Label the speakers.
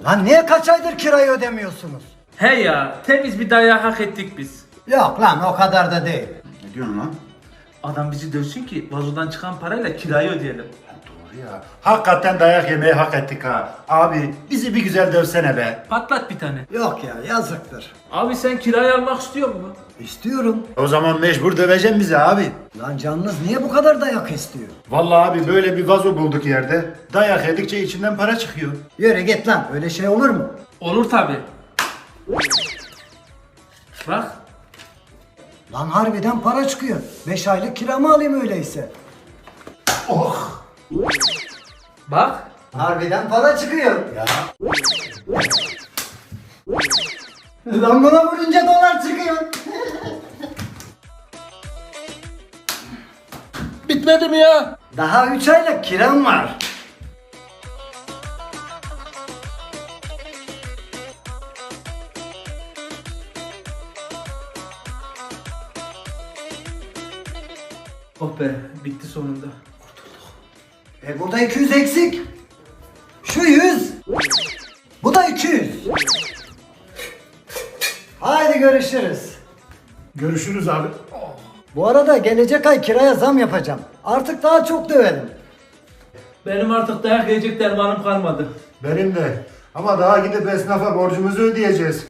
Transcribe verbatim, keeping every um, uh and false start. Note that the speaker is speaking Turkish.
Speaker 1: Lan niye kaç aydır kirayı ödemiyorsunuz?
Speaker 2: He ya, temiz bir dayağı hak ettik biz.
Speaker 1: Yok lan o kadar da değil.
Speaker 3: Ne diyorsun lan?
Speaker 2: Adam bizi dövsün ki vazodan çıkan parayla kirayı ödeyelim.
Speaker 3: Doğru ya. Hakikaten dayak yemeyi hak ettik ha. Abi bizi bir güzel dövsene be.
Speaker 2: Patlat bir tane.
Speaker 1: Yok ya yazıktır.
Speaker 2: Abi sen kirayı almak istiyor musun?
Speaker 1: İstiyorum.
Speaker 3: O zaman mecbur döveceksin bizi abi.
Speaker 1: Lan canınız niye bu kadar dayak istiyor?
Speaker 3: Vallahi abi böyle bir vazo bulduk yerde. Dayak yedikçe içinden para çıkıyor.
Speaker 1: Yürü git lan öyle şey olur mu?
Speaker 2: Olur tabi. Bak.
Speaker 1: Lan harbiden para çıkıyor. Beş aylık kiramı alayım öyleyse.
Speaker 3: Oh!
Speaker 2: Bak.
Speaker 1: Harbiden para çıkıyor.
Speaker 3: Ya.
Speaker 1: Lan buna vurunca dolar çıkıyor.
Speaker 2: Bitmedi mi ya?
Speaker 1: Daha üç aylık kiram var.
Speaker 2: Oh be, bitti sonunda.
Speaker 1: E burada iki yüz eksik. Şu yüz. Bu da iki yüz. Haydi görüşürüz.
Speaker 3: Görüşürüz abi.
Speaker 1: Bu arada gelecek ay kiraya zam yapacağım. Artık daha çok dövelim.
Speaker 2: Benim artık dayak yiyecek dermanım kalmadı.
Speaker 3: Benim de. Ama daha gidip esnafa borcumuzu ödeyeceğiz.